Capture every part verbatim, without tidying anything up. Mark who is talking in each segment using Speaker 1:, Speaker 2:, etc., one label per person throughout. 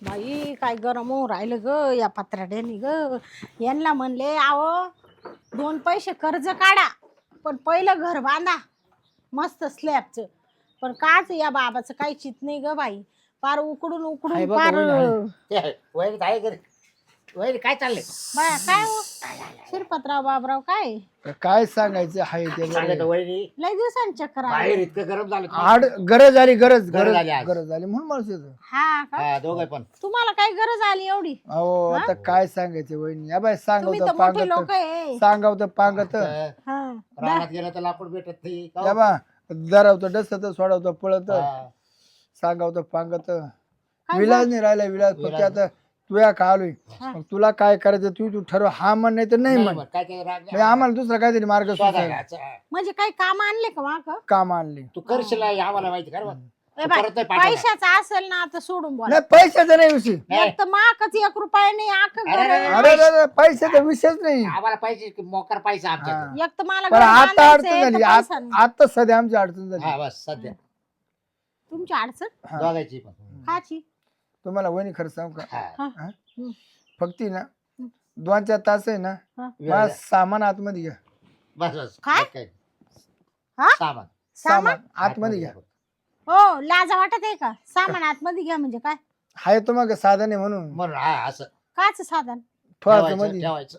Speaker 1: बाई काय गरम होऊन राहिलं ग या पत्राड्यानी ग. यांना म्हणले आहो दोन पैसे कर्ज काढा पण पहिलं घर बांधा मस्त स्लॅबचं. पण काच या बाबाचं काही चित नाही ग बाई. पार उकडून
Speaker 2: आहे
Speaker 1: उकडून
Speaker 2: बघ,
Speaker 1: पार
Speaker 2: वहिनी आहे.
Speaker 3: ते वहिनी आहे घरी वहिनी काय चाललंय
Speaker 1: बाया काय हो शिरपतराव बाबराव काय
Speaker 2: काय सांगायचं हाय
Speaker 3: सांगत
Speaker 2: ते
Speaker 3: वहिनी
Speaker 1: लय दिवसांनी चक्कर
Speaker 3: बाहेर
Speaker 1: आली.
Speaker 3: इतकं गरम झालं
Speaker 2: आड गरज आली गरज
Speaker 3: गरज
Speaker 2: गरज
Speaker 3: आली आज.
Speaker 2: गरज झाली म्हणून माणूस येतो.
Speaker 1: हा का
Speaker 3: हा दोघं पण
Speaker 1: तुम्हाला काय गरज आली एवढी?
Speaker 2: अहो आता काय सांगायचं वहिनी या बाय
Speaker 1: तुम्ही तर
Speaker 2: सांगवत
Speaker 1: मोठे लोक
Speaker 2: पांगत
Speaker 1: आहे.
Speaker 2: सांगावत पांगत
Speaker 3: तर
Speaker 1: हा
Speaker 3: रानात गेलं तर लाकूड भेटत नाही का
Speaker 2: या
Speaker 3: हो?
Speaker 2: बा दरावत डसत सोडवत पळत
Speaker 3: हा.
Speaker 2: सांगावत पांगत
Speaker 1: काय
Speaker 2: विलाज नाही राहिला विलाज फक्त
Speaker 3: विलाज
Speaker 2: आता तुया का आलोय
Speaker 1: हा.
Speaker 2: मग तुला काय करायचं तू तू ठरव हा म्हण नाही तर नाही
Speaker 3: नाही
Speaker 2: म्हण
Speaker 3: मग काय ते राग
Speaker 2: म्हणजे आम्हाला दुसरा काहीतरी मार्ग
Speaker 3: शोधायला
Speaker 2: सुचायला
Speaker 3: जायचं.
Speaker 1: म्हणजे काही काम आणले का माक?
Speaker 2: काम आणले
Speaker 3: तू करशील हे आम्हाला माहिती कर
Speaker 1: ए बाई, पैशाचा असेल ना आता सोडून बोला.
Speaker 2: नाही पैशाचा नाही विषय
Speaker 1: एक तर माकच एक रुपया नाही आख
Speaker 3: अरे, अरे,
Speaker 1: घर.
Speaker 2: अरे अरे, अरे, पैशाचा विषयच नाही
Speaker 3: आम्हाला पाहिजे मोकर पैसा आमच्या
Speaker 2: हा.
Speaker 1: एक तर मला
Speaker 2: पण
Speaker 1: घर
Speaker 2: आता
Speaker 1: बांधायचंय,
Speaker 2: अडचण
Speaker 1: एक
Speaker 2: झाली
Speaker 1: तर पैसा
Speaker 2: आत-
Speaker 1: नाही.
Speaker 2: आता सध्या आमची अडचण झाली
Speaker 3: हा बस सध्या
Speaker 1: तुमची अडचण
Speaker 2: हा.
Speaker 3: दोघायची पण
Speaker 1: काची?
Speaker 2: तुम्हाला वहिनी खरं सांगू का
Speaker 3: हा.
Speaker 1: हा.
Speaker 2: हा?
Speaker 1: हम्म.
Speaker 2: फक्त ना दोन चार तास आहे ना
Speaker 1: हा.
Speaker 2: मला सामान आतमध्ये घ्या
Speaker 3: बस बस
Speaker 1: काय?
Speaker 3: काय
Speaker 1: हा?
Speaker 3: सामान
Speaker 1: सामान
Speaker 2: आतमध्ये घ्या
Speaker 1: हो लाजा वाटत आहे का? सामान आतमध्ये घ्या म्हणजे काय?
Speaker 2: हाय तुम्हाला साधन आहे म्हणून
Speaker 3: म्हणून हा असं
Speaker 1: काच साधन?
Speaker 2: ठेवायचं
Speaker 3: ठेवायचं
Speaker 2: मध्ये
Speaker 3: ठेवायचं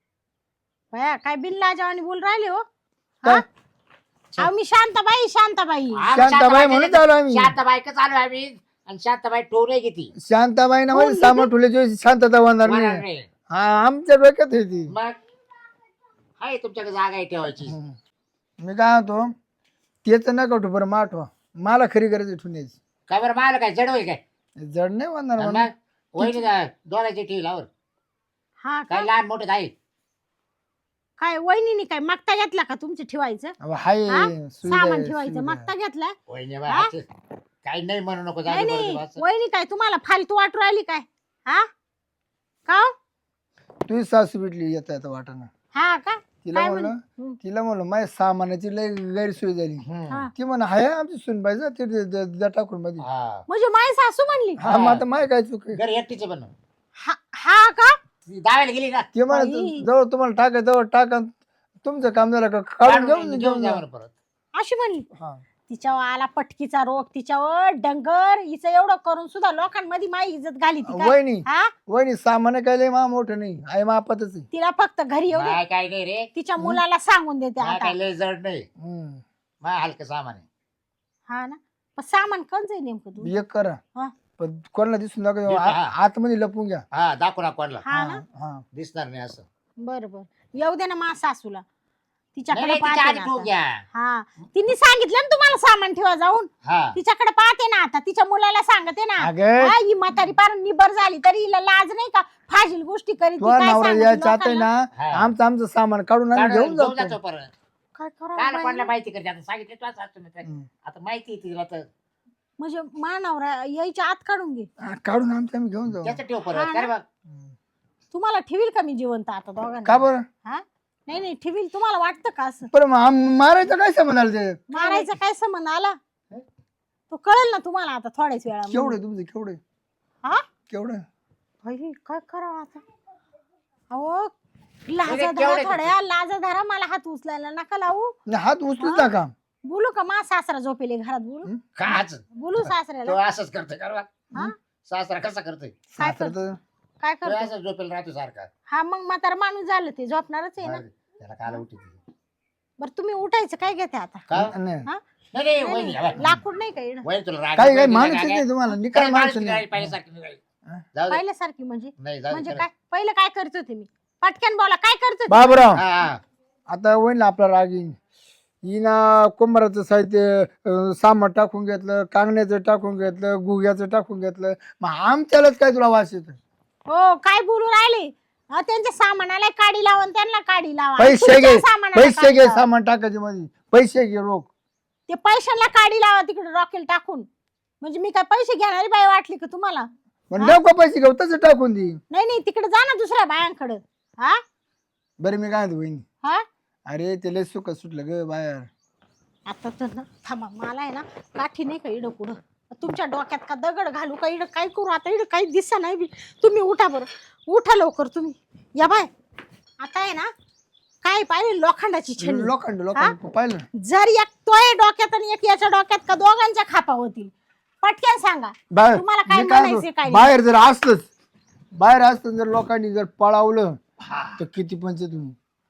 Speaker 1: बया काय बिन लाजावानी बोल राहिले हो.
Speaker 2: काय?
Speaker 1: अहो मी शांताबाई शांताबाई.
Speaker 3: आम्ही
Speaker 2: शांताबाई म्हणून आलो आम्ही
Speaker 3: शांताबाईकच आलो आम्ही आणि शांताबाई ठेवू घेती
Speaker 2: शांताबाई ना म्हणजे
Speaker 1: कोण
Speaker 2: सामान ठेवल्याची शांतता होणार नाही हा आमच्या डोक्यात आहे ती
Speaker 3: मग हाय तुमच्याकडे जागा आहे ठेवायची
Speaker 2: हम्म. मी काय होतो तेच नका ठेवू बरं माठवा मला खरी गरज आहे ठेवण्याची
Speaker 3: काय बरं मला काय जड होईल काय
Speaker 2: जड नाही होणार
Speaker 3: आणि
Speaker 2: म्हणून.
Speaker 3: मग वहिनी जा- दोघांची ठेवी लावर
Speaker 1: हा का?
Speaker 3: काय लहान मोठे आहे
Speaker 1: काय वहिनीने काय मागता घेतला का तुमचं ठेवायचं?
Speaker 2: अहो, हाय
Speaker 1: हा?
Speaker 2: सुविधा
Speaker 1: सामान
Speaker 2: आहे,
Speaker 1: ठेवायचं
Speaker 2: सुविधा.
Speaker 1: मागता घेतलाय?
Speaker 3: वहिनी
Speaker 1: हा?
Speaker 3: बा काही नाही म्हणू नको
Speaker 1: नाही
Speaker 3: जाऊ दे
Speaker 1: नाही
Speaker 3: बरं असं.
Speaker 1: वहिनी काय तुम्हाला फालतू वाटू राहिली काय? हा का हो?
Speaker 2: तुझी सासू भेटली येता येता वाटाणा
Speaker 1: हा का?
Speaker 2: तिला
Speaker 1: काय
Speaker 2: म्हणलं
Speaker 1: म्हण-
Speaker 2: तिला म्हणलं माझ्या सामानाची लय गैरसोय झाली
Speaker 3: हम्म.
Speaker 1: हा.
Speaker 2: ती म्हणा हाय आमची सुनबाई जा ते द- द- द- टाकून मध्ये
Speaker 3: हा.
Speaker 1: म्हणजे माय सासू म्हणली?
Speaker 2: हा मग आता माय काय चुक आहे?
Speaker 3: घरी एकटीचे पण
Speaker 1: हा हा का?
Speaker 3: ती दावायला गेली ना
Speaker 2: ते म्हणा
Speaker 1: बाई.
Speaker 2: जवळ तुम्हाला टाका जवळ टाका तुमचं काम झालं का काढून घेऊन
Speaker 3: घेऊन
Speaker 2: घेऊन
Speaker 3: जा
Speaker 2: जा
Speaker 3: बरं परत
Speaker 1: अशी म्हणली?
Speaker 2: हा.
Speaker 1: तिच्यावर आला पटकीचा रोग तिच्यावर डंगर हिचं एवढं करून सुद्धा लोकांमध्ये माई इज्जत घाली ती काय?
Speaker 2: वहिनी
Speaker 1: हा
Speaker 2: वहिनी सामान काय लय मा मोठं नाही आहे मापातच आहे
Speaker 1: तिला फक्त घरी येऊ दे.
Speaker 3: माय काय नाही रे
Speaker 1: तिच्या मुलाला सांगून देते
Speaker 3: माय
Speaker 1: आता.
Speaker 3: काय लय जड नाही
Speaker 2: हम्म.
Speaker 3: माय हलकं सामान आहे
Speaker 1: हा ना पण सामान कोणच आहे नेमकं तू?
Speaker 2: एक करा
Speaker 1: हा.
Speaker 2: पण कोणाला दिसून नका
Speaker 3: दिसू, हा.
Speaker 2: आ- आतमध्ये लपून घ्या
Speaker 3: हा दाखवू ना कोणला
Speaker 1: हा ना
Speaker 2: हा
Speaker 3: दिसणार नाही असं
Speaker 1: बर बर येऊ दे ना मा सासूला
Speaker 3: नाही,
Speaker 1: तिच्याकडे
Speaker 3: नाही, तिच्या
Speaker 1: पाहते
Speaker 3: आधी
Speaker 1: ना
Speaker 3: ठेवू
Speaker 1: आता.
Speaker 3: घ्या
Speaker 1: हा तिने सांगितलं ना तुम्हाला सामान ठेवा जाऊन
Speaker 3: हा
Speaker 1: तिच्याकडे पाहते ना आता तिच्या मुलाला सांगते ना
Speaker 2: अगं
Speaker 1: हा, ही म्हातारी पार निबर झाली तरी हिला लाज नाही का फाजील गोष्टी करीत ती
Speaker 2: तुझा
Speaker 1: काय
Speaker 2: नवरा
Speaker 1: सांगते
Speaker 2: यायच्या आता आहे
Speaker 1: लोकांना?
Speaker 2: ना
Speaker 3: हा.
Speaker 2: आमचं आमचं सामान काढून आम्ही
Speaker 3: काढून
Speaker 2: घेऊन
Speaker 3: घेऊन
Speaker 2: जातो
Speaker 3: जातो परत
Speaker 1: काय
Speaker 3: काल
Speaker 1: करावं
Speaker 3: कोणाला
Speaker 1: बाई?
Speaker 3: माहिती करते आता सांगितलं तू असं तुम्ही
Speaker 2: हम्म.
Speaker 3: आता माहिती आहे तिला तर
Speaker 1: म्हणजे मानवरा यायच्या आत काढून घे
Speaker 2: हा, काढून आमचं आम्ही घेऊन जाऊ
Speaker 3: त्याचं ठेव
Speaker 1: हा
Speaker 3: परत
Speaker 1: ना.
Speaker 3: काय बघ
Speaker 2: हम्म.
Speaker 1: तुम्हाला ठेवील का मी जिवंत आता
Speaker 2: का
Speaker 1: दोघांना?
Speaker 2: बरं
Speaker 1: हा नाही नाही ठेवील तुम्हाला वाटतं का असं?
Speaker 2: पण मग आम- मारायचं काय संबंध आलं ते
Speaker 1: मारायचा काय संबंध आला तो कळेल ना तुम्हाला आता थोड्याच वेळा
Speaker 2: केवढे तुमचं केवढे
Speaker 1: हा
Speaker 2: केवढे
Speaker 1: बाई, काय करावं आता? अहो लाजा
Speaker 3: केवढे
Speaker 1: धरा
Speaker 3: किती?
Speaker 1: थोड्या लाजा धरा मला हात उचलायला नका लावू.
Speaker 2: नाही, हात उचलूच नका
Speaker 1: बोलू का मा सासरा झोपेले घरात बोलू
Speaker 3: काच
Speaker 1: बोलू
Speaker 3: तो
Speaker 1: सासऱ्याला
Speaker 3: असंच करतोय का बघ?
Speaker 1: हा?
Speaker 3: सासरा कसा करतोय
Speaker 1: काय
Speaker 2: सासर
Speaker 1: करतो?
Speaker 2: तर
Speaker 1: काय
Speaker 3: तो
Speaker 1: करतो?
Speaker 3: असंच झोपेल राहतो सारखा
Speaker 1: हा मग म्हातारा माणूस झालं ते झोपणारच आहे ना.
Speaker 3: बरं, त्याला काल उठी
Speaker 1: बरं तुम्ही उठायचं काय घेते आता?
Speaker 3: का
Speaker 2: नाही
Speaker 1: हा?
Speaker 3: नाही नाही
Speaker 1: नाही,
Speaker 3: वहिनी
Speaker 1: नाही,
Speaker 3: हवा.
Speaker 1: लाकूड नाही का येणं?
Speaker 3: वहिनी तुला राग
Speaker 2: काही
Speaker 3: येतो,
Speaker 2: काही
Speaker 3: वहिनीला
Speaker 2: माणूस
Speaker 3: राग आहे.
Speaker 2: नाही तुम्हाला निकाल
Speaker 3: काही
Speaker 2: माणूस
Speaker 3: माणूस
Speaker 2: नाही
Speaker 3: नाही, पहिल्यासारखी नाही.
Speaker 2: हा?
Speaker 3: जाऊ दे.
Speaker 1: पहिल्यासारखी म्हणजे
Speaker 3: नाही जाऊ दे,
Speaker 1: म्हणजे
Speaker 3: खरं.
Speaker 1: काय पहिलं काय करत होते मी? पटकन बोला काय करत होते?
Speaker 2: बाबराव
Speaker 3: हा, हा.
Speaker 2: आता होईल ना आपला राग येईन हिना कुंभाराचं साहित्य अं, सामान टाकून घेतलं कांगण्याचं टाकून घेतलं गुग्याचं टाकून घेतलं मग आमच्यालाच काय तुला वास येतो
Speaker 1: हो काय बोलू राहिले? हा, त्यांच्या सामानाला काडी लावा आणि त्यांना काडी लावा.
Speaker 2: पैसे
Speaker 1: तुमच्या
Speaker 2: घे
Speaker 1: सामानाला
Speaker 2: पैसे
Speaker 1: काडी
Speaker 2: घे
Speaker 1: लावा.
Speaker 2: सामान टाकायचे मध्ये पैसे घे रोख
Speaker 1: ते पैशांना काडी लावा तिकडे रॉकेल टाकून. म्हणजे मी काय पैसे घेणारी बाई वाटली का तुम्हाला?
Speaker 2: पण नको पैसे घेऊ तसं टाकून दे
Speaker 1: नाही नाही तिकडे जा ना दुसऱ्या बायांकडे. हा
Speaker 2: बरं मी काय म्हणतो बहिणी
Speaker 1: हा
Speaker 2: अरे ते लय सुख सुटलं ग बाहेर
Speaker 1: आता तर ना थांबा मला आहे ना काठी नाही का इडं पुढं तुमच्या डोक्यात का दगड घालू का इकडं काय करू आता इकडं काही दिसा नाही बी तुम्ही उठा बरं उठा लवकर तुम्ही या बाय आता आहे ना काय पाहिजे लोखंडाची छेनी
Speaker 2: लोखंड लोखंड पाहिलं ना?
Speaker 1: जर एक तोय डोक्यात आणि एक याच्या डोक्यात का दोघांच्या खापा होतील पटकन सांगा
Speaker 2: बाहेर
Speaker 1: तुम्हाला काय
Speaker 2: मी काय
Speaker 1: म्हणायचंय
Speaker 2: म्हणतो,
Speaker 1: काय नाही?
Speaker 2: बाहेर जर असलंच बाहेर असलं जर लोकांनी जर पळावलं तर किती पंच तुम्ही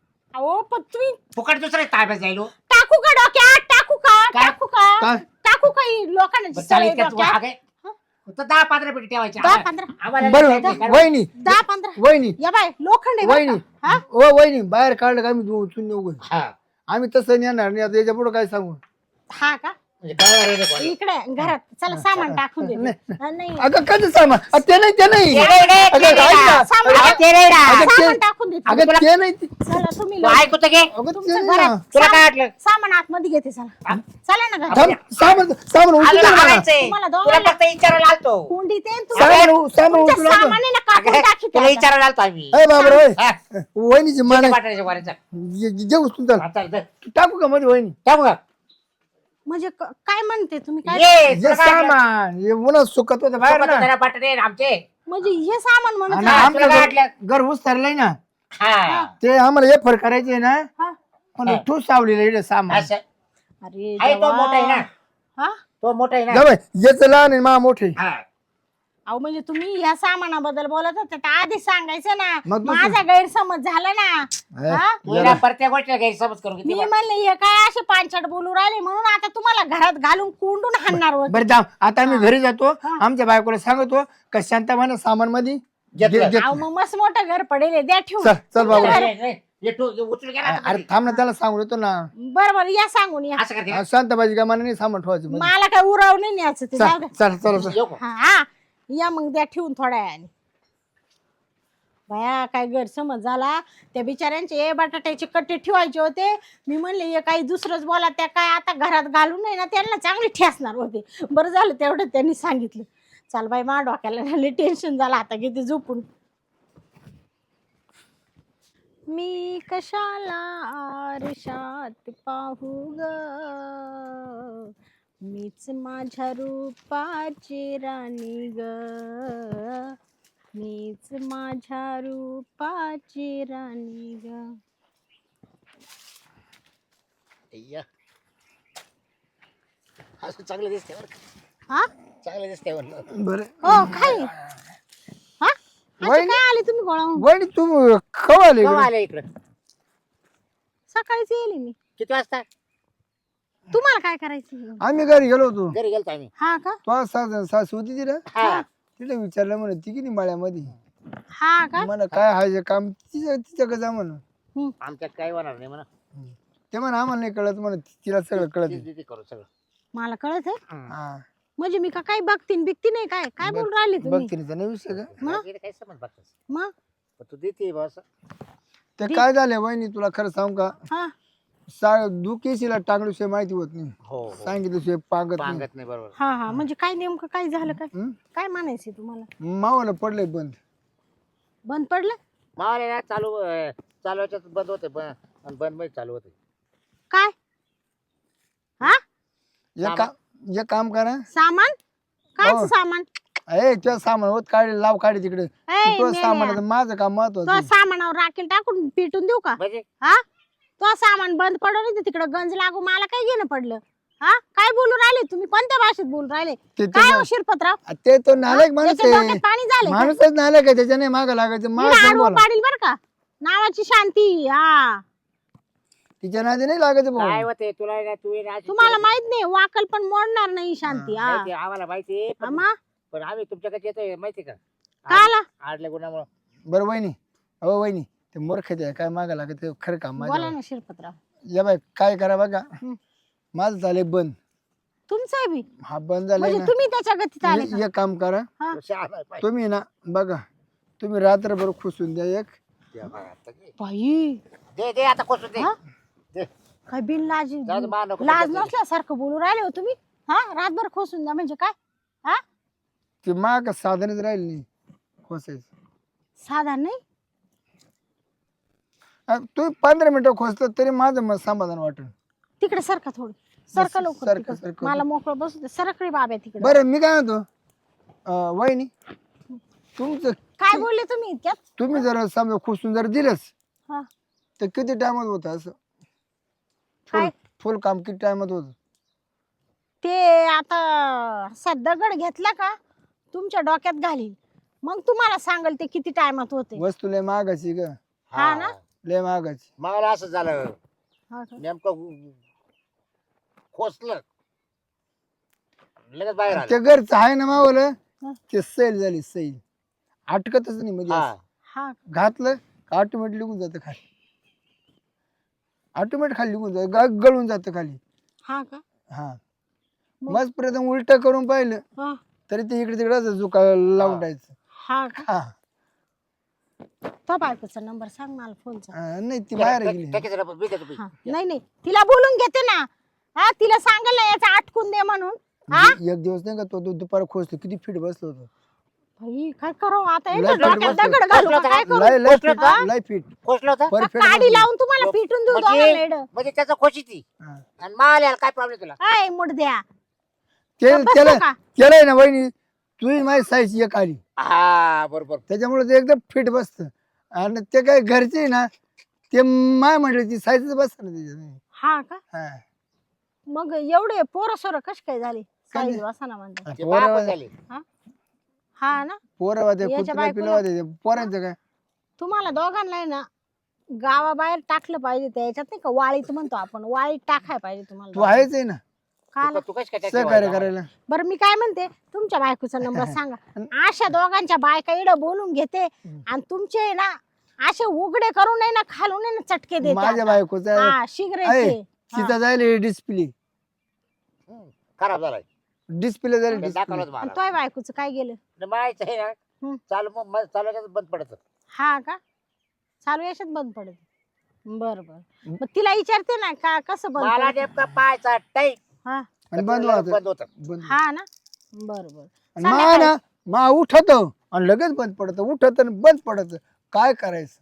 Speaker 1: अहो पण तुम्ही
Speaker 3: फुकट दुसरे ताब्यात जाईल हो.
Speaker 1: टाकू का डोक्यात टाकू का
Speaker 3: काय?
Speaker 1: टाकू का
Speaker 2: काय?
Speaker 1: टाकू का ही लोखंडाची
Speaker 3: बरं, चालेल,
Speaker 1: सळई
Speaker 3: इतक्यात
Speaker 1: डोक्यात?
Speaker 3: आगे. फक्त दहा पंधरा मिनिट ठेवायचे
Speaker 1: दहा
Speaker 3: आम्हाला-
Speaker 1: पंधरा
Speaker 3: आम्हाला
Speaker 2: बरं
Speaker 3: नाही काय-
Speaker 2: वहिनी
Speaker 1: दहा पंधरा
Speaker 2: वहिनी
Speaker 1: या बाय लोखंड आहे बरं
Speaker 2: वहिनी
Speaker 1: का? हा?
Speaker 2: ओ वहिनी बाहेर काढलं का आम्ही उचलून नेऊ
Speaker 3: हा.
Speaker 2: आम्ही तसं नेणार नाही आता याच्या पुढे काय सांगू
Speaker 1: हा का
Speaker 3: म्हणजे काय रे रे कोणी?
Speaker 1: इकडे घरात चला सामान टाकून दे नाही
Speaker 2: अगं कसं सामान अ, ते नाही ते नाही
Speaker 3: ते नाही, ते
Speaker 2: अगं,
Speaker 3: नाही
Speaker 2: ऐक
Speaker 3: ना.
Speaker 2: ना.
Speaker 1: सामान
Speaker 3: अगं, ते नाही ना.
Speaker 2: अगं,
Speaker 1: सामान
Speaker 2: ते-
Speaker 1: टाकून दे
Speaker 2: अगं ते नाही ते-
Speaker 1: चला तुम्ही
Speaker 3: तू
Speaker 1: लवकर.
Speaker 3: ऐकू तर घे.
Speaker 2: अगं ते
Speaker 1: तुमचं
Speaker 2: नाही ना.
Speaker 1: घरात
Speaker 3: तुला काय
Speaker 1: सामान-
Speaker 3: वाटलं?
Speaker 1: सामान आतमध्ये घेते चला चला ना घरात.
Speaker 2: थांब सामान सामान उचलून
Speaker 3: आम्हाला
Speaker 2: दे मला.
Speaker 3: हाणायचंय.
Speaker 1: तुम्हाला
Speaker 3: तुला
Speaker 1: दोघांना-
Speaker 3: फक्त विचारायला आलतो
Speaker 1: कोंडी ते आणि
Speaker 2: सामान
Speaker 1: तुमच्या-
Speaker 2: उ- सामान
Speaker 1: तुमच्या
Speaker 2: उचलून दे.
Speaker 1: सामानाने कापून
Speaker 3: अगं,
Speaker 1: टाकी
Speaker 3: तुला
Speaker 1: त्याला.
Speaker 3: विचारायला आलतो आम्ही
Speaker 2: अय बाबर होय
Speaker 3: हा.
Speaker 2: वहिनीची मान
Speaker 3: किती वाटायचे वरायचं?
Speaker 2: जे उचलून चाल
Speaker 3: आता इथं.
Speaker 2: टाकू का मध्ये वहिनी
Speaker 3: टाकू का?
Speaker 1: म्हणजे क- काय म्हणते तुम्ही काय
Speaker 3: ये,
Speaker 2: जे
Speaker 3: तुला काय वाटलं?
Speaker 2: सामान हे उन्हात सुकत होतं बाहेर
Speaker 3: सोबत
Speaker 2: ना
Speaker 3: जरा बटाटे आहेत आमचे.
Speaker 1: म्हणजे हे सामान म्हणत
Speaker 2: आणि
Speaker 3: हा,
Speaker 1: आहे.
Speaker 3: तुला काय
Speaker 2: आमचं
Speaker 3: वाटलं?
Speaker 2: घर- घर उचललंय ना
Speaker 3: हा.
Speaker 2: ते आम्हाला हे फर करायचे ना
Speaker 1: हा?
Speaker 2: पण तू सावलेलं इकडे सामान
Speaker 3: असं.
Speaker 1: अरे
Speaker 3: आहे तो
Speaker 1: देवा.
Speaker 3: मोठा आहे ना.
Speaker 1: हा
Speaker 3: तो मोठा आहे ना.
Speaker 2: जाऊ याच लहान आहे मा मोठे
Speaker 3: हा.
Speaker 1: अहो म्हणजे तुम्ही या सामानाबद्दल बोलत होते तर आधीच सांगायचं ना
Speaker 2: मग तू-
Speaker 1: माझा गैरसमज झाला ना हा?
Speaker 3: तू हिला प्रत्येक गोष्ट गैरसमज करू
Speaker 1: मी
Speaker 3: किती
Speaker 1: म्हणले हे काय असे पांचट बोलू राहिले म्हणून आता तुम्हाला घरात घालून कोंडून हाणणार होते
Speaker 2: बरं जाऊ आता आम्ही घरी जातो आमच्या बायकोला सांगतो का शांताबाईने सामान मध्ये
Speaker 3: घेतलं.
Speaker 1: अहो मग मस्त मोठं घर पडेल आहे, द्या ठेवून
Speaker 2: चल चल बाबा
Speaker 3: रे, रे, ये तू ये उचलून घे ना आता
Speaker 2: अरे
Speaker 3: मध्ये.
Speaker 2: थांब ना त्याला सांगून येतो ना
Speaker 1: बरं बरं या सांगून या
Speaker 3: असं करते का?
Speaker 2: हा, शांताबाईची का मनाने सामान ठेवायचं मध्ये.
Speaker 1: मला काय उराव नाही न्यायचं ते जाऊ
Speaker 2: चल
Speaker 1: द्या.
Speaker 2: चल चल चल.
Speaker 3: येऊ का?
Speaker 1: हा हा या मग द्या ठेवून थोड्या वेळाने बाया काय गैरसमज झाला त्या बिचाऱ्यांचे ए बटाट्याचे कट्टे ठेवायचे होते मी म्हणले हे काही दुसरंच बोला त्या काय आता घरात घालून नाही ना त्यांना चांगले ठेसणार होते बरं झालं तेवढं त्यांनी सांगितलं चाल बाई मा डोक्याला झाले टेन्शन झालं आता किती झोपून मी कशाला आरशात पाहू ग मीच माझ्या रूपाची राणी ग मीच माझ्या रूपाची राणी ग
Speaker 3: अय्या. असं चांगलं दिसते बरं का?
Speaker 1: हा
Speaker 3: चांगलं दिसते म्हणलं.
Speaker 2: बरं
Speaker 1: हो काय हा असे
Speaker 2: वहिनी-
Speaker 1: काय आले तुम्ही गोळाहून
Speaker 2: वहिनी तू खवाले
Speaker 3: केव्हा आले इकडं?
Speaker 1: सकाळीच येईल मी
Speaker 3: किती वाजता?
Speaker 1: तुम्हाला काय करायचं
Speaker 2: आम्ही घरी गेलो होतो
Speaker 3: घरी गेलतो आम्ही.
Speaker 1: हा का
Speaker 2: तो सास सासू होती तिला
Speaker 3: हा.
Speaker 2: तिला विचारलं म्हणे ती किती माळ्यामध्ये
Speaker 1: हा का
Speaker 2: मला काय हायचे काम तिच्या तिच्याकडे जा म्हण
Speaker 1: हम्म.
Speaker 3: आमच्यात काही होणार नाही म्हणा.
Speaker 2: ते म्हणा आम्हाला नाही कळत म्हण तिला सगळं कळत
Speaker 3: तीच देते करू सगळं.
Speaker 1: मला कळत आहे
Speaker 2: हा
Speaker 1: म्हणजे मी का काय बघतीन बिकती नाही काय काय बोल राहिले तुम्ही
Speaker 2: बघ तिने नाही विषय का
Speaker 1: मग?
Speaker 3: तिला काही समज बघतोस.
Speaker 1: मग
Speaker 3: पण तू देते बा असं.
Speaker 2: ते काय झालं वहिनी तुला खरं सांगू का
Speaker 1: हा
Speaker 2: सा दुखेशीला टांगल्याशिवाय माहिती होत नाही
Speaker 3: हो हो.
Speaker 2: सांगितल्याशिवाय पागत नाही
Speaker 3: सांगत नाही बरोबर.
Speaker 1: हा हा म्हणजे काय नेमकं काय झालं काय
Speaker 2: हं?
Speaker 1: काय म्हणायचं तुम्हाला
Speaker 2: मावाला पडलंय बंद
Speaker 1: बंद पडलं
Speaker 3: मावाले ना चालू अं, चालवायच्यात बंद होते ब- आणि बंद मध्ये चालू होते.
Speaker 1: काय हा
Speaker 2: एक काम एक काम करा
Speaker 1: सामान काय
Speaker 2: हो.
Speaker 1: सामान
Speaker 2: ए तुझं सामान होत काढे लाव काढे तिकडे
Speaker 1: ए,
Speaker 2: तुझं
Speaker 1: मेल्या.
Speaker 2: सामान आहे, माझं काम
Speaker 1: तो
Speaker 2: महत्वाचं
Speaker 1: सामानावर राखेल टाकून पेटून देऊ का
Speaker 3: म्हणजे
Speaker 1: हा तो सामान बंद पडलं नाही तिकडे गंज लागू मला काय घेणं पडलं हा काय बोलू राहिले तुम्ही कोणत्या भाषेत बोलू राहिले
Speaker 2: ते तर
Speaker 1: काय
Speaker 2: ना-
Speaker 1: हो शिरपतराव
Speaker 2: ते तो नालायक माणूस
Speaker 1: त्याच्या
Speaker 2: आहे
Speaker 1: डोक्यात पाणी झालं
Speaker 2: माणूसच नालायक आहे त्याच्याने माग लागायचं माग बोला
Speaker 1: पाडील बर का नावाची शांती हा
Speaker 2: तिच्या नादी नाही लागायचं
Speaker 3: काय
Speaker 2: भाऊ
Speaker 3: होते तुला ना तू ना
Speaker 1: तुम्हाला माहित नाही वाकल पण मोडणार नाही शांती हा
Speaker 3: माहिती आहे, आम्हाला माहिती आहे, पण
Speaker 1: आम्हा
Speaker 3: पण आम्ही तुमच्याकडे येतोय माहिती का?
Speaker 1: काला
Speaker 3: आडल्या गुणामुळे
Speaker 2: बरं वहिनी अहो वहिनी ते मूर्ख ते काय माग लागत ते खरं काम
Speaker 1: बोला
Speaker 2: माझ्या
Speaker 1: ना शिरपतराव
Speaker 2: या बाय काय करा बघा
Speaker 1: हं.
Speaker 2: माझं झालंय बंद
Speaker 1: तुमचं बी
Speaker 2: हा बंद झालाय
Speaker 1: म्हणजे
Speaker 2: ना
Speaker 1: तुम्ही त्याच्या गतीत आले का?
Speaker 2: हे- एक काम करा
Speaker 1: हा.
Speaker 2: तुम्ही ना बघा तुम्ही रात्रभर खुसून द्या एक
Speaker 1: बाई
Speaker 3: दे दे आता कोसून दे.
Speaker 1: हा?
Speaker 3: दे.
Speaker 1: काय बिन लाज
Speaker 3: जाऊ दे, मा नको
Speaker 1: लाज
Speaker 3: त्याच्यात.
Speaker 1: नसल्यासारखं बोलू राहिले हो तुम्ही हा रातभर खोसून द्या म्हणजे काय हा
Speaker 2: ते माग साधनच राहील नाही खोसायचं
Speaker 1: साधारण नाही
Speaker 2: अ, तुम्ही पंधरा मिनिटं खोसलं तरी माझं मग समाधान वाटेल
Speaker 1: तिकडे सारखा थोडं सरका लवकर
Speaker 2: सरका,
Speaker 1: तिकडं.
Speaker 2: सरका.
Speaker 1: मला मोकळं बसू दे. सरकडी बाब्या तिकडे.
Speaker 2: बरं मी काय म्हणतो अं, वहिनी तुमचं
Speaker 1: काय बोलले तुम्ही इतक्यात?
Speaker 2: तुम्ही जर समजा खुसून जर दिलंच
Speaker 1: हा.
Speaker 2: तर किती टायमात होतं असं फुल
Speaker 1: काय?
Speaker 2: फुल काम किती टायमात होतं
Speaker 1: ते आता असा दगड घेतला का तुमच्या डोक्यात घालील, मग तुम्हाला सांगल ते किती टायमात होते.
Speaker 2: वस्तू लय महागाची ग
Speaker 1: हा ना?
Speaker 2: लय महागाची
Speaker 3: मला असं झालं
Speaker 1: हा का?
Speaker 3: नेमकं खोचलं लगेच बाहेर आलं
Speaker 2: ते घरचं आहे ना मावलं
Speaker 1: हा.
Speaker 2: ते सैल झाली सैल अटकतच नाही म्हणजे
Speaker 3: हा
Speaker 2: असं.
Speaker 1: हा
Speaker 2: घातलं ऑटोमॅटिक निघून जातं खाली ऑटोमॅटिक खाली निघून जात ग- गळून जातं खाली
Speaker 1: हा का?
Speaker 2: हा
Speaker 1: मग?
Speaker 2: मस्त प्रथम उलट करून पाहिलं
Speaker 1: हा.
Speaker 2: तरी ते इकडे तिकडे असं झुका लावून टाकायचं
Speaker 1: हा का?
Speaker 2: हा
Speaker 1: तो बायकोचा नंबर सांग मला फोनचा.
Speaker 2: हा, नाही ती बाहेर गेली
Speaker 3: टाकीचं डबं बी देतो बी.
Speaker 1: हा. नाही नाही तिला बोलून घेते ना. हा तिला सांगल ना याचा आटकून दे म्हणून. हा
Speaker 2: एक एक दिवस नाही का तो दु- दुपार खोचतो किती फिट बसलो होतो
Speaker 1: भाई काय करावं आता
Speaker 2: लय
Speaker 1: याच्या डोक्यात
Speaker 2: बसलं.
Speaker 1: दगड घालू का? काय करू?
Speaker 2: लय लय
Speaker 3: खोचलं
Speaker 2: फिट
Speaker 3: का?
Speaker 2: लय फिट
Speaker 3: खोचलं होतं
Speaker 2: परफेक्ट
Speaker 1: काडी लावून तुम्हाला पिटून देऊ दोघांना
Speaker 3: म्हणजे
Speaker 1: एडं.
Speaker 3: म्हणजे त्याचं खोशी ती आणि माल काय प्रॉब्लेम तुला
Speaker 1: काय मुडद्या
Speaker 2: केलं
Speaker 1: बसलं
Speaker 2: केलं
Speaker 1: का?
Speaker 2: केलंय ना वहिनी तुझी माझी साईज एक आली
Speaker 3: हा बरोबर
Speaker 2: त्याच्यामुळे ते एकदम फिट बसत आणि ते काय घरचे ना ते माय म्हटलं ती साईजच बसत ना त्याच्यात
Speaker 1: हा का?
Speaker 2: हा.
Speaker 1: मग एवढे पोरं सोरं कश काय झाली?
Speaker 2: काय
Speaker 1: साईज
Speaker 2: नाही.
Speaker 1: वासाना म्हणतात.
Speaker 3: ते
Speaker 2: पोरं
Speaker 3: बापच झाली
Speaker 1: हा ना?
Speaker 2: पोरं वादे
Speaker 1: याच्या
Speaker 2: कुत्रा
Speaker 1: बायकोला-
Speaker 2: पिलं वादे पोरांचं काय
Speaker 1: तुम्हाला दोघांना आहे ना गावाबाहेर टाकलं पाहिजे. त्याच्यात नाही का वाळीत म्हणतो आपण, वाळीत टाकाय पाहिजे तुम्हाला
Speaker 2: तू
Speaker 1: दोघांना.
Speaker 2: आहेच आहे ना
Speaker 1: का
Speaker 3: तू कशी काय
Speaker 2: सहकार्य
Speaker 3: त्याची
Speaker 2: करायला
Speaker 1: बरं मी काय म्हणते तुमच्या बायकोचा नंबर सांगा. अशा दोघांच्या बायका इडं बोलून घेते आणि तुमचे आहे ना असे उघडे करून आहे ना खालून आहे ना चटके देते
Speaker 2: माझ्या
Speaker 1: आता.
Speaker 2: बायकोचा
Speaker 1: हा सिगरेटचे.
Speaker 2: सीता जायला डिस्प्ले
Speaker 3: खराब झालाय
Speaker 2: डिस्प्ले जायला
Speaker 3: ते
Speaker 2: डिस्प्ले
Speaker 3: दाखवलं
Speaker 1: आणि
Speaker 3: मला
Speaker 1: तोय बायकोचं काय गेलं?
Speaker 3: माहित आहे ना
Speaker 1: हम्म.
Speaker 3: चालू मग मग चालवायचं बंद पडत
Speaker 1: हा का? चालू याच्यात बंद पडत. बर बर मग तिला विचारते ना का कसं बंद
Speaker 3: मला
Speaker 1: पडतं?
Speaker 3: नेमका पायचा टाईम
Speaker 1: हा
Speaker 2: आणि बंद होत
Speaker 3: बंद होत
Speaker 2: बंद
Speaker 1: हा ना बर बर
Speaker 2: मा ना मा उठत आणि लगेच बंद पडत उठत आणि बंद पडत काय करायचं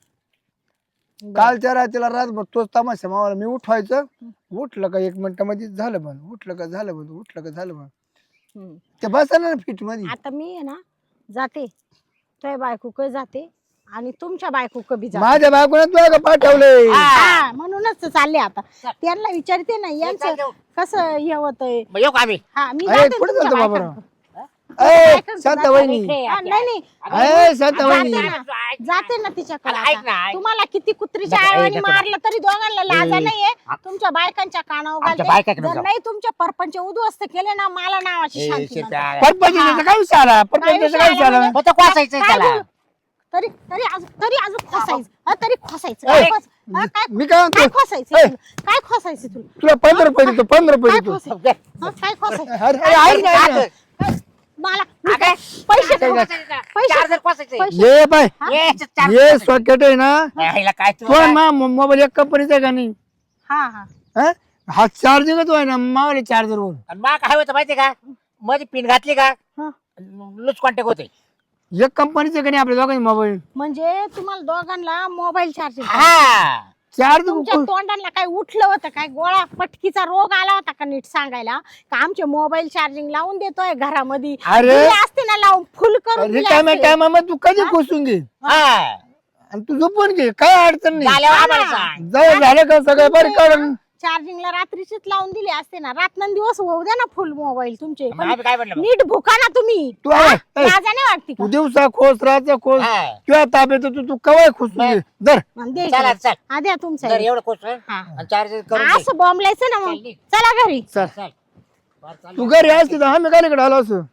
Speaker 2: कालच्या रात्रीला रातभर तोच तमाशा मावाला मी उठवायचं उठलं का एक मिनिटामध्ये झालं बंद उठलं का झालं बंद उठलं का झालं बंद
Speaker 1: हम्म.
Speaker 2: ते बसा ना फिट मध्ये
Speaker 1: आता मी आहे ना जाते तोय बायको क जाते आणि तुमच्या बायको क बी जाते.
Speaker 2: माझ्या बायकोने तुला का पाठवलंय
Speaker 1: हा म्हणूनच चालले आता. त्यांना विचारते ना यांचं कसं हे होतंय.
Speaker 3: मग येऊ का आम्ही
Speaker 1: हा मी
Speaker 2: अरे,
Speaker 1: जाते
Speaker 2: कुठं
Speaker 1: तुमच्या
Speaker 2: जातो बाबा?
Speaker 1: बायकांकडं.
Speaker 2: ए
Speaker 1: बायकांकडं
Speaker 2: शांत
Speaker 1: जाते.
Speaker 2: वहिनी
Speaker 1: हा, नाही नाही
Speaker 2: ए शांत वहिनी
Speaker 1: जाते ना जाते ना तिच्याकडे
Speaker 3: अरे, ऐक
Speaker 1: आता.
Speaker 3: ना, ऐक.
Speaker 1: तुम्हाला किती कुत्रीच्या
Speaker 3: नको, ए,
Speaker 1: आळवानी
Speaker 3: नको.
Speaker 1: मारलं तरी दोघांना लाजा
Speaker 3: ए,
Speaker 1: नाहीये.
Speaker 3: आ-
Speaker 1: तुमच्या बायकांच्या कानावर
Speaker 3: आमच्या
Speaker 1: घालते.
Speaker 3: बायकाकडे
Speaker 1: जर
Speaker 3: जाऊ.
Speaker 1: नाही तुमच्या परपंच उद्ध्वस्त केले ना मला नावाची
Speaker 3: ए,
Speaker 1: शांती
Speaker 3: शेत
Speaker 1: म्हणतात.
Speaker 3: आहे.
Speaker 2: परपंचाचा काय विषय आला परपंचाचा काय विषय आला
Speaker 1: म्हणजे?
Speaker 3: मग तो कोसायचं
Speaker 1: काय
Speaker 3: त्याला
Speaker 1: बोलू? तरी तरी अजून तरी अजून खोसायचं हा, तरी खोसायचं
Speaker 2: ए,
Speaker 1: काय खोस- हा, काय
Speaker 2: मी काय
Speaker 1: काय
Speaker 2: म्हणतो
Speaker 1: खोसायचं
Speaker 2: ए.
Speaker 1: तुला? काय खोसायचं तुला?
Speaker 2: तुला पंधरा रुपये देतो पंधरा रुपये
Speaker 1: काय
Speaker 2: देतो
Speaker 1: खोसायचं हा, काय खोसायचं
Speaker 2: अरे अरे, ऐक ना, ऐक ना.
Speaker 1: काय? मला मी काय- पैसे
Speaker 2: काय काय?
Speaker 1: पैसे
Speaker 3: चार्जर कोसायचं
Speaker 1: पैसे
Speaker 2: ये बाय
Speaker 3: ये, चार्जर
Speaker 2: ये
Speaker 3: कोसायचं.
Speaker 2: सॉकेट आहे ना
Speaker 3: यायला काय तू
Speaker 2: तो मा मोबाईल एक कंपनीचा आहे का नाही
Speaker 1: हा हा
Speaker 2: हा? हा चार्जिंगच आहे ना मावले चार्जर वर
Speaker 3: आणि मा काय होतं माहितीये का मध्ये पिन घातली का
Speaker 1: हा.
Speaker 3: लूज कॉन्टॅक्ट होते
Speaker 2: एक कंपनीचं आहे का नाही आपल्या दोघांचे मोबाईल
Speaker 1: म्हणजे तुम्हाला दोघांना मोबाईल चार्जिंग
Speaker 3: हा
Speaker 2: चार्ज
Speaker 1: तुमच्या तोंडाला काय उठलं होतं काय गोळा पटकीचा रोग आला होता का नीट सांगायला का आमचे मोबाईल चार्जिंग लावून देतोय घरामध्ये
Speaker 2: अरे.
Speaker 1: दिले असते ना लावून फुल करून दिले
Speaker 2: रिकाम्या
Speaker 1: असते.
Speaker 2: टायमामध्ये तू कधी खोसून घे
Speaker 3: हा
Speaker 2: आणि तू झोपून घे काय अडचण नाही
Speaker 3: झाल्यावर
Speaker 1: हा
Speaker 3: आम्हाला
Speaker 1: ना.
Speaker 3: सांग
Speaker 2: जवळ झालं का सगळं बरं काढून
Speaker 1: चार्जिंगला रात्रीचीच लावून दिले असते ना रात्रंदिवस होऊ द्या ना फुल मोबाईल तुमचे
Speaker 3: मग
Speaker 1: पण
Speaker 3: आम्ही काय म्हणलं मग?
Speaker 1: नीट भुका ना तुम्ही
Speaker 2: तू आहे,
Speaker 1: हा?
Speaker 2: ए.
Speaker 1: लाजा नाही वाटते का
Speaker 2: तू दिवसा खोस राहता खोस
Speaker 3: हा.
Speaker 2: किंवा ताब्यात तू तू कवाय खोसून घे धर
Speaker 1: आणि दे
Speaker 3: चला
Speaker 1: इकडे.
Speaker 3: चल
Speaker 1: हा द्या तुमचं
Speaker 3: जर एवढं कोस
Speaker 1: हा.
Speaker 3: आणि चार्जर करून दे.
Speaker 1: असं बॉम्बलायचं ना मग
Speaker 3: चल, निघ.
Speaker 1: चला घरी
Speaker 2: चल
Speaker 3: चल. बरं, चालेल.
Speaker 2: तू घरी असते तर आम्ही काय इकडे आलो असं